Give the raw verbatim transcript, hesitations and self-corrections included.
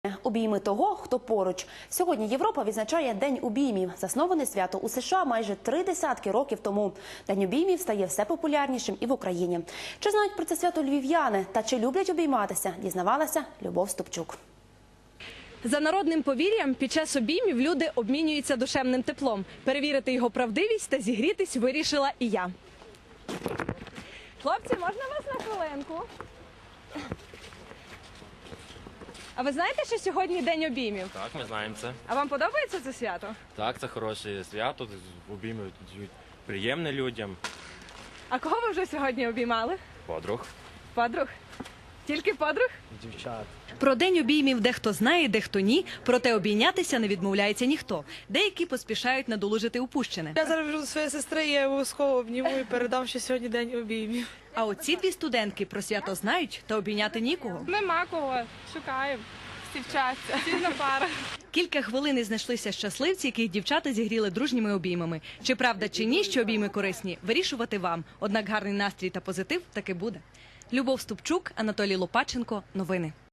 Обійми того, хто поруч. Сьогодні Європа відзначає День обіймів. Засноване свято у США майже три десятки років тому. День обіймів стає все популярнішим і в Україні. Чи знають про це свято львів'яни та чи люблять обійматися, дізнавалася Любов Ступчук. За народним повір'ям, під час обіймів люди обмінюються душевним теплом. Перевірити його правдивість та зігрітись вирішила і я. Хлопці, можна вас на хвилинку? А ви знаєте, що сьогодні День обіймів? Так, ми знаємо це. А вам подобається це свято? Так, це хороше свято, обійми приємне людям. А кого ви вже сьогодні обіймали? Подруг. Подруг? Тільки подруг? Дівчат. Про День обіймів дехто знає, дехто ні, проте обійнятися не відмовляється ніхто. Деякі поспішають надолужити упущене. Я зараз біжу до своєї сестри, я обов'язково обніму і передам, що сьогодні день обіймів. А от ці дві студентки про свято знають, та обійняти нікого. Нема кого, шукаємо, всі вчаться, всі на парах. Кілька хвилин і знайшлися щасливці, яких дівчата зігріли дружніми обіймами. Чи правда, чи ні, що обійми корисні, вирішувати вам. Однак гарний настрій та позитив таки буде. Любов Ступчук, Анатолій Лопаченко. Новини.